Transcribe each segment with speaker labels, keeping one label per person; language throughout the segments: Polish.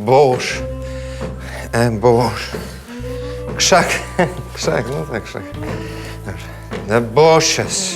Speaker 1: burz. Burz. Krzak. Krzak, no tak, krzak. Dobrze. The bushes.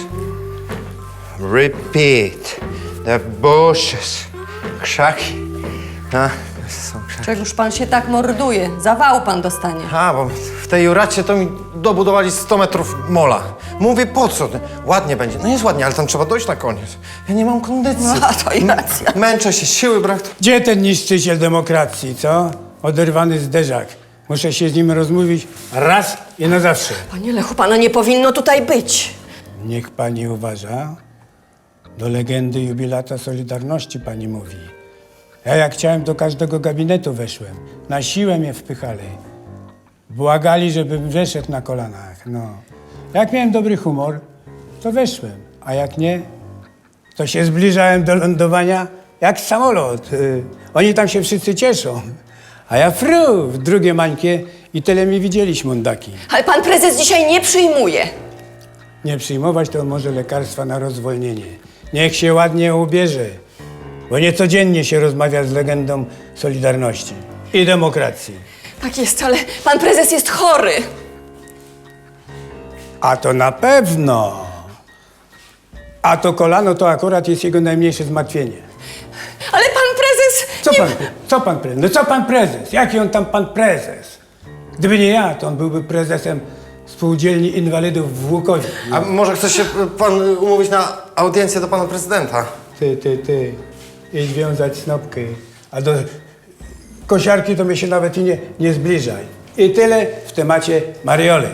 Speaker 1: Repeat. The bushes. Krzaki. A, są krzaki.
Speaker 2: Czegoż pan się tak morduje? Zawału pan dostanie.
Speaker 1: A, bo w tej Juracie to mi dobudowali 100 metrów mola. Mówię, po co? Ładnie będzie. No jest ładnie, ale tam trzeba dojść na koniec. Ja nie mam kondycji.
Speaker 2: No, to i racja.
Speaker 1: Męczę się, siły brak.
Speaker 3: Gdzie ten niszczyciel demokracji, co? Oderwany zderzak. Muszę się z nim rozmówić raz i na zawsze.
Speaker 2: Panie Lechu, pana nie powinno tutaj być.
Speaker 3: Niech pani uważa. Do legendy jubilata Solidarności pani mówi. Ja jak chciałem, do każdego gabinetu weszłem. Na siłę mnie wpychali. Błagali, żebym wyszedł na kolanach, no. Jak miałem dobry humor, to weszłem. A jak nie, to się zbliżałem do lądowania jak samolot. Oni tam się wszyscy cieszą. A ja fru w drugie mańkie i tyle mi widzieli śmundaki.
Speaker 2: Ale pan prezes dzisiaj nie przyjmuje.
Speaker 3: Nie przyjmować to może lekarstwa na rozwolnienie. Niech się ładnie ubierze, bo niecodziennie się rozmawia z legendą Solidarności i demokracji.
Speaker 2: Tak jest, ale pan prezes jest chory.
Speaker 3: A to na pewno. A to kolano to akurat jest jego najmniejsze zmartwienie.
Speaker 2: Ale pan prezes...
Speaker 3: Co pan prezes? No co pan prezes? Jaki on tam pan prezes? Gdyby nie ja, to on byłby prezesem Spółdzielni Inwalidów w Łukowie.
Speaker 1: A może chce się pan umówić na audiencję do pana prezydenta?
Speaker 3: Ty. Idź wiązać snopkę. A do kosiarki to mnie się nawet i nie zbliżaj. I tyle w temacie Marioli.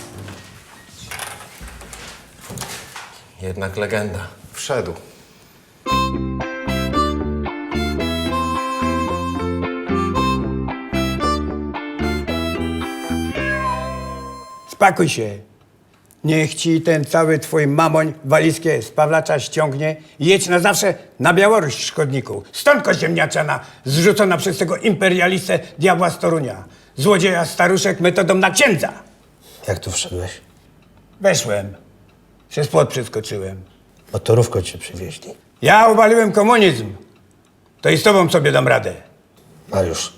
Speaker 1: Jednak legenda. Wszedł.
Speaker 3: Spakuj się. Niech ci ten cały twój mamoń walizkę z Pawlacza ściągnie i jedź na zawsze na Białoruś, szkodniku. Stąd ziemniaczana, zrzucona przez tego imperialistę diabła z Torunia. Złodzieja staruszek metodą na księdza.
Speaker 4: Jak tu wszedłeś?
Speaker 3: Weszłem. Przez płot przeskoczyłem.
Speaker 4: Motorówką cię przywieźli.
Speaker 3: Ja obaliłem komunizm. To i z tobą sobie dam radę.
Speaker 4: Mariusz.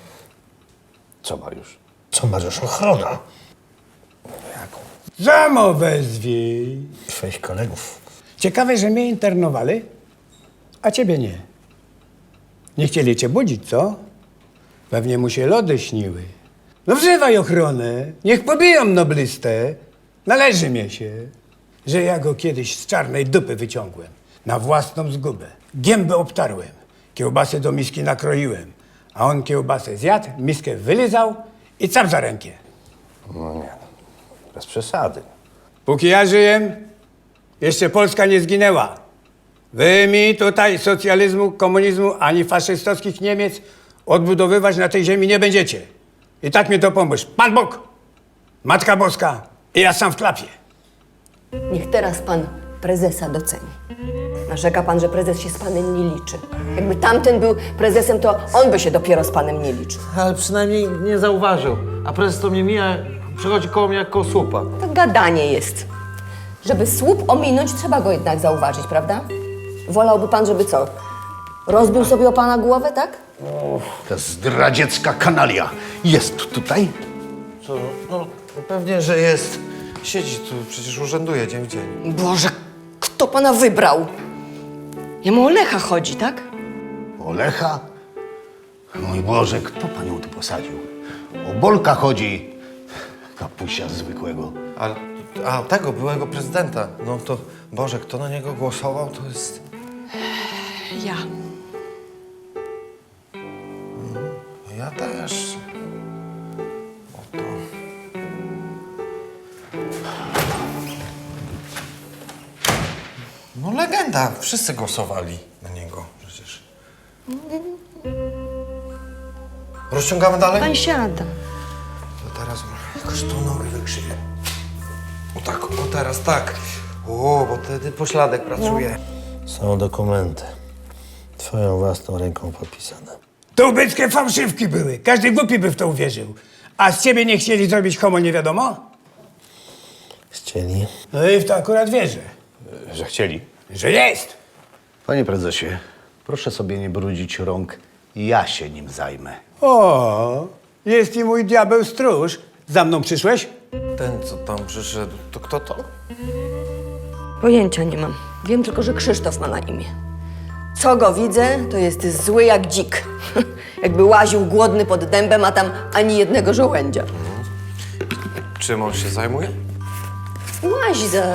Speaker 4: Co Mariusz? Co Mariusz? Ochrona. Jaką?
Speaker 3: Zamo wezwij.
Speaker 4: Twoich kolegów.
Speaker 3: Ciekawe, że mnie internowali, a ciebie nie. Nie chcieli cię budzić, co? Pewnie mu się lody śniły. No wzywaj ochronę, niech pobiją noblistę. Należy mi się, że ja go kiedyś z czarnej dupy wyciągłem. Na własną zgubę. Gębę obtarłem, kiełbasę do miski nakroiłem. A on kiełbasę zjadł, miskę wylizał i cap za rękę.
Speaker 4: No nie, bez przesady.
Speaker 3: Póki ja żyję, jeszcze Polska nie zginęła. Wy mi tutaj socjalizmu, komunizmu ani faszystowskich Niemiec odbudowywać na tej ziemi nie będziecie. I tak mi to pomóż. Pan Bóg, Matka Boska i ja sam w klapie.
Speaker 2: Niech teraz pan prezesa doceni. Narzeka pan, że prezes się z panem nie liczy. Jakby tamten był prezesem, to on by się dopiero z panem nie liczył.
Speaker 5: Ale przynajmniej nie zauważył. A prezes to mnie mija, przechodzi koło mnie jak koło słupa.
Speaker 2: To gadanie jest. Żeby słup ominąć, trzeba go jednak zauważyć, prawda? Wolałby pan, żeby co? Rozbił sobie o pana głowę, tak?
Speaker 6: Ta zdradziecka kanalia jest tutaj?
Speaker 1: Co? No pewnie, że jest. Siedzi tu, przecież urzęduje dzień w dzień.
Speaker 2: Boże, kto pana wybrał? Jemu o Lecha chodzi, tak?
Speaker 6: O Lecha? Mój Boże, kto panią tu posadził? O Bolka chodzi. Kapusia zwykłego.
Speaker 1: A tego byłego prezydenta. No to, Boże, kto na niego głosował, to jest...
Speaker 2: Ja.
Speaker 1: Ja też. Oto. No legenda. Wszyscy głosowali na niego przecież. Rozciągamy dalej?
Speaker 2: Pan siada.
Speaker 1: To teraz jakoś tą nogę wykrzywię. O tak, o teraz tak. O, bo wtedy pośladek pracuje.
Speaker 4: Są dokumenty. Twoją własną ręką podpisane.
Speaker 3: To ubeckie fałszywki były. Każdy głupi by w to uwierzył. A z ciebie nie chcieli zrobić homo nie wiadomo?
Speaker 4: Chcieli?
Speaker 3: No i w to akurat wierzę.
Speaker 6: Że chcieli.
Speaker 3: Że jest.
Speaker 6: Panie prezesie, proszę sobie nie brudzić rąk Ja się nim zajmę.
Speaker 3: O, jest i mój diabeł stróż. Za mną przyszłeś?
Speaker 1: Ten, co tam przyszedł, to kto to?
Speaker 2: Pojęcia nie mam. Wiem tylko, że Krzysztof ma na imię. Co go widzę, to jest zły jak dzik. Jakby łaził głodny pod dębem, a tam ani jednego żołędzia.
Speaker 1: Czym on się zajmuje?
Speaker 2: Łazi za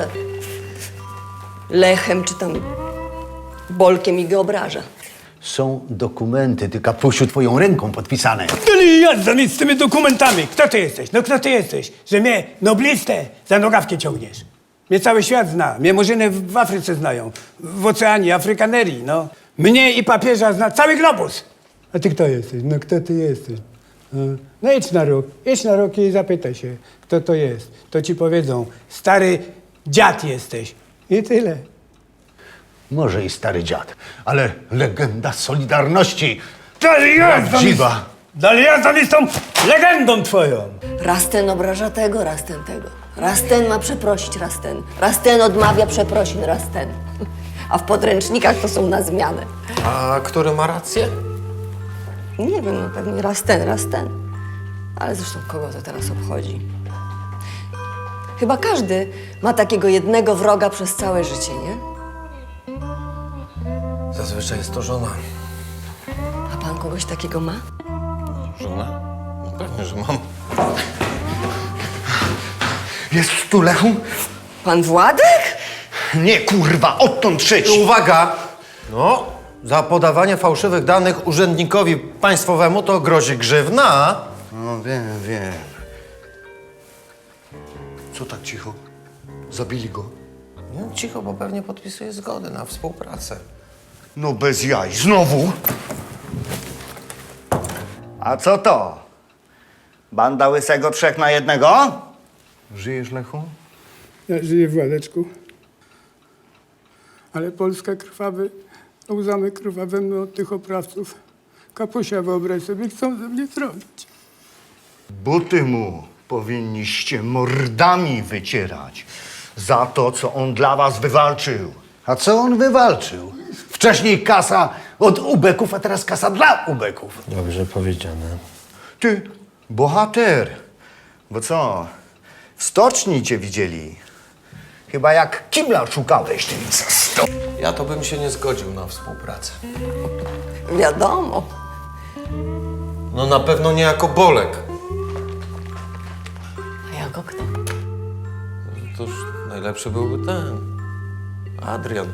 Speaker 2: Lechem czy tam Bolkiem i go obraża.
Speaker 6: Są dokumenty, ty kapusiu, twoją ręką podpisane.
Speaker 3: Ale jazda mi z tymi dokumentami. Kto ty jesteś? No kto ty jesteś? Że mnie, noblistę, za nogawkę ciągniesz. Mnie cały świat zna. Mnie murzyny w Afryce znają. W oceanie, Afrykanerii, no. Mnie i papieża zna cały globus. A ty kto jesteś? No kto ty jesteś? No idź na róg i zapytaj się, kto to jest. To ci powiedzą, stary dziad jesteś. I tyle.
Speaker 6: Może i stary dziad, ale legenda Solidarności.
Speaker 3: Dalej
Speaker 6: Prawdziwa.
Speaker 3: jazda mi z tą legendą twoją.
Speaker 2: Raz ten obraża tego, raz ten tego. Raz ten ma przeprosić, raz ten. Raz ten odmawia przeprosin, raz ten. A w podręcznikach to są na zmianę.
Speaker 1: A który ma rację?
Speaker 2: Nie wiem, no pewnie raz ten, raz ten. Ale zresztą kogo to teraz obchodzi? Chyba każdy ma takiego jednego wroga przez całe życie, nie?
Speaker 1: Zazwyczaj jest to żona.
Speaker 2: A pan kogoś takiego ma?
Speaker 1: Żona? No pewnie, że mam.
Speaker 6: Jest tu Lechu?
Speaker 2: Pan Władek?
Speaker 6: Nie, kurwa, odtąd szyć.
Speaker 1: Uwaga! No, za podawanie fałszywych danych urzędnikowi państwowemu to grozi grzywna.
Speaker 6: No wiem. Co tak cicho? Zabili go?
Speaker 1: No, cicho, bo pewnie podpisuje zgodę na współpracę.
Speaker 6: No bez jaj, znowu? A co to? Banda łysego 3 na 1? Żyjesz, Lechu?
Speaker 3: Ja żyję, Władeczku. Ale Polska krwawy, łzamy krwawemu od tych oprawców. Kapusia, wyobraź sobie, chcą ze mnie zrobić.
Speaker 6: Buty mu powinniście mordami wycierać za to, co on dla was wywalczył. A co on wywalczył? Wcześniej kasa od ubeków, a teraz kasa dla ubeków.
Speaker 4: Dobrze powiedziane.
Speaker 6: Ty, bohater. Bo co? W stoczni cię widzieli. Chyba jak kibla szukałeś, ty.
Speaker 1: Ja to bym się nie zgodził na współpracę.
Speaker 2: Wiadomo.
Speaker 1: No na pewno nie jako Bolek.
Speaker 2: A jako kto?
Speaker 1: Toż najlepszy byłby ten. Adrian.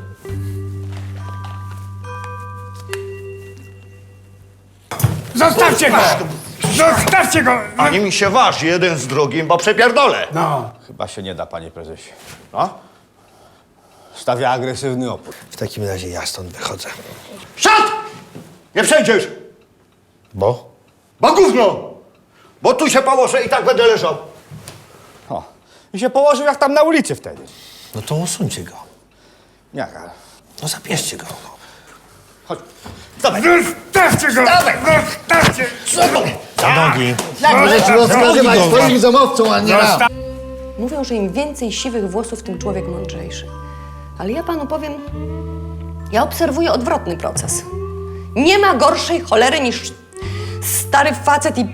Speaker 3: Zostawcie go! Zostawcie go!
Speaker 6: Ani mi się waż jeden z drugim, bo przepierdolę.
Speaker 3: No,
Speaker 7: Chyba się nie da, panie prezesie. No? Stawia agresywny opór.
Speaker 4: W takim razie ja stąd wychodzę.
Speaker 6: Szat! Nie przejdziesz!
Speaker 4: Bo?
Speaker 6: Bo gówno! Bo tu się położę i tak będę leżał.
Speaker 7: O. I się położył jak tam na ulicy wtedy.
Speaker 4: No to usuńcie go.
Speaker 7: Jak, ale...
Speaker 4: No zabierzcie go.
Speaker 7: Chodź. Dawaj.
Speaker 3: zostawcie go! Zostawcie!
Speaker 4: Na nogi.
Speaker 6: Możecie rozkazywać swoim zamowcom, a nie nam.
Speaker 2: Mówią, że im więcej siwych włosów, tym człowiek mądrzejszy. Ale ja panu powiem, ja obserwuję odwrotny proces. Nie ma gorszej cholery niż stary facet i...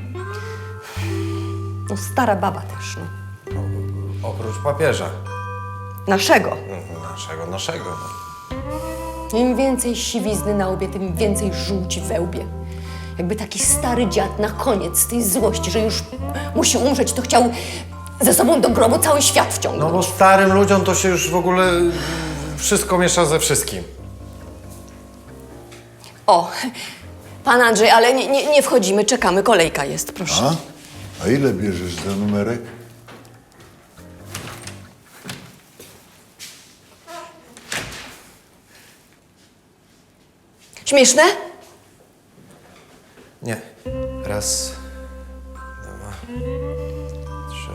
Speaker 2: no stara baba też, no.
Speaker 1: Oprócz papieża.
Speaker 2: Naszego.
Speaker 1: Naszego.
Speaker 2: Im więcej siwizny na łbie, tym więcej żółci we łbie. Jakby taki stary dziad na koniec tej złości, że już musi umrzeć, to chciał ze sobą do grobu cały świat wciągnąć.
Speaker 1: No bo starym ludziom to się już w ogóle wszystko miesza ze wszystkim.
Speaker 2: O, pan Andrzej, ale nie wchodzimy, czekamy, kolejka jest, proszę.
Speaker 8: A ile bierzesz za numerek?
Speaker 2: Śmieszne?
Speaker 1: Nie. Raz, 2, 3,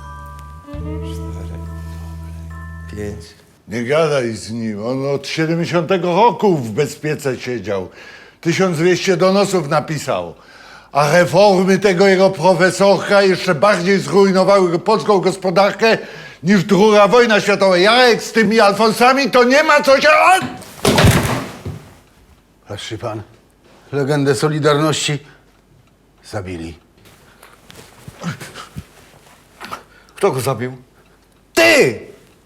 Speaker 1: 4, 5.
Speaker 8: Nie gadaj z nim. On od 70 roku w bezpiece siedział. 1200 donosów napisał. A reformy tego jego profesorka jeszcze bardziej zrujnowały polską gospodarkę niż II wojna światowa. Jarek, z tymi Alfonsami to nie ma co się...
Speaker 6: Patrzy pan,
Speaker 9: legendę Solidarności zabili.
Speaker 6: Kto go zabił?
Speaker 7: Ty!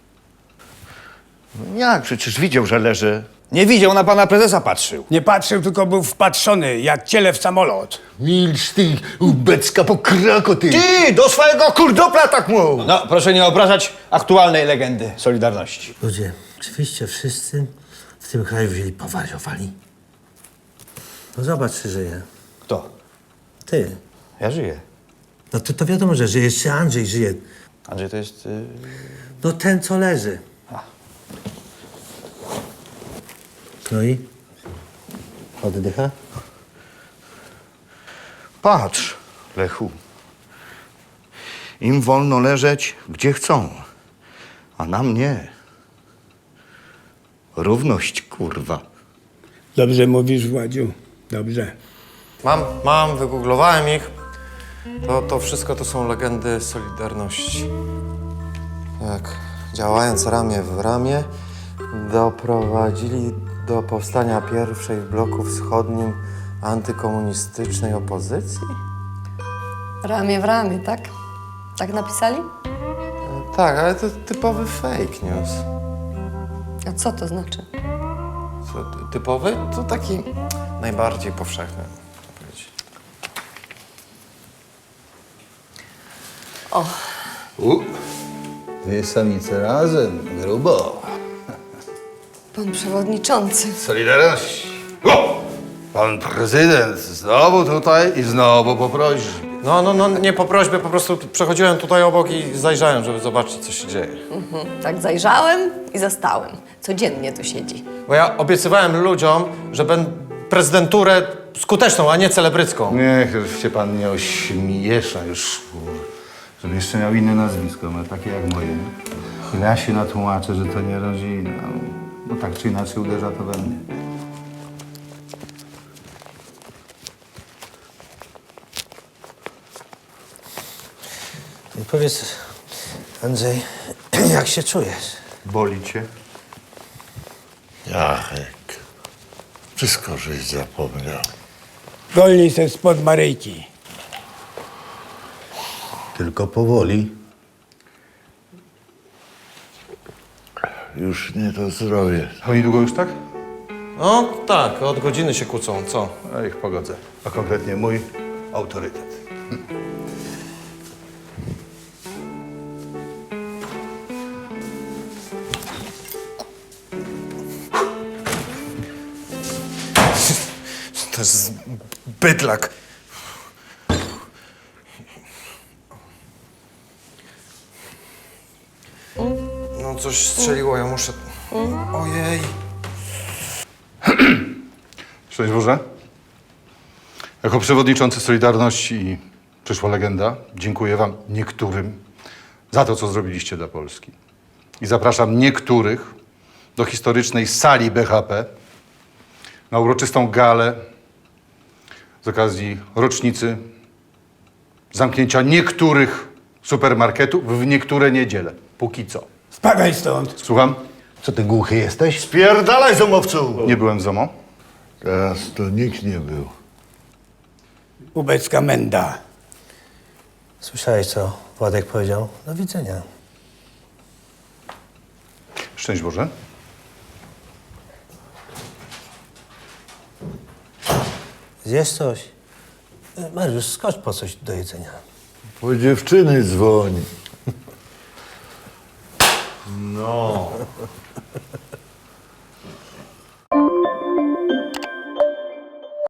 Speaker 6: Jak? Przecież widział, że leży.
Speaker 7: Nie widział, na pana prezesa patrzył.
Speaker 3: Nie patrzył, tylko był wpatrzony, jak ciele w samolot.
Speaker 8: Milcz ty, ubecka pokrako ty!
Speaker 6: Ty, do swojego kurdopla tak mów!
Speaker 7: No, proszę nie obrażać aktualnej legendy Solidarności.
Speaker 4: Ludzie, oczywiście wszyscy w tym kraju wzięli powariowali. No zobacz, czy żyje.
Speaker 7: Kto?
Speaker 4: Ty.
Speaker 7: Ja żyję.
Speaker 4: No to wiadomo, że żyje. Jeszcze Andrzej żyje.
Speaker 7: Andrzej to jest...
Speaker 4: No ten, co leży. No i? Oddycha?
Speaker 6: Patrz, Lechu. Im wolno leżeć, gdzie chcą, a nam nie. Równość, kurwa.
Speaker 3: Dobrze mówisz, Władziu. Dobrze.
Speaker 1: Wygooglowałem ich. To wszystko to są legendy Solidarności. Tak, działając ramię w ramię, doprowadzili do powstania pierwszej w bloku wschodnim antykomunistycznej opozycji?
Speaker 2: Ramię w ramię, tak? Tak napisali?
Speaker 1: Tak, ale to typowy fake news.
Speaker 2: A co to znaczy?
Speaker 1: Co, typowy? To taki najbardziej powszechny, można powiedzieć.
Speaker 9: Dwie samice razem, grubo.
Speaker 2: Pan przewodniczący.
Speaker 9: Solidarności. O! Pan prezydent znowu tutaj i znowu poprosi.
Speaker 1: No, nie po prośbie, po prostu przechodziłem tutaj obok i zajrzałem, żeby zobaczyć, co się dzieje.
Speaker 2: Tak zajrzałem i zastałem. Codziennie tu siedzi.
Speaker 1: Bo ja obiecywałem ludziom, że będę prezydenturę skuteczną, a nie celebrycką.
Speaker 9: Niech się pan nie ośmiesza już, żeby jeszcze miał inne nazwisko, no, takie jak moje. Ja się natłumaczę, że to nie rodzina. No tak czy inaczej uderza to we mnie.
Speaker 4: I powiedz, Andrzej, jak się czujesz?
Speaker 6: Boli cię?
Speaker 8: Jachek, wszystko żeś zapomniał.
Speaker 3: Golnij se spod Maryjki.
Speaker 9: Tylko powoli.
Speaker 8: Już nie to zdrowie.
Speaker 9: A niedługo już tak?
Speaker 1: No tak, od godziny się kłócą, co?
Speaker 9: A ich pogodzę. A konkretnie mój autorytet.
Speaker 1: To jest bydlak. No coś strzeliło, ja muszę... Ojej.
Speaker 9: Szczęść Boże. Jako przewodniczący Solidarności i przyszła legenda, dziękuję wam niektórym za to, co zrobiliście dla Polski. I zapraszam niektórych do historycznej sali BHP na uroczystą galę z okazji rocznicy zamknięcia niektórych supermarketów w niektóre niedziele. Póki co.
Speaker 3: Spadaj stąd.
Speaker 9: Słucham?
Speaker 6: Co ty głuchy jesteś? Spierdalaj, zomowcu!
Speaker 9: Nie byłem w ZOMO.
Speaker 8: Teraz to nikt nie był.
Speaker 3: Ubecka menda.
Speaker 4: Słyszałeś, co Władek powiedział? Do widzenia.
Speaker 9: Szczęść Boże.
Speaker 4: Zjesz coś? Mariusz, skocz po coś do jedzenia.
Speaker 8: Po dziewczyny dzwoni.
Speaker 6: No.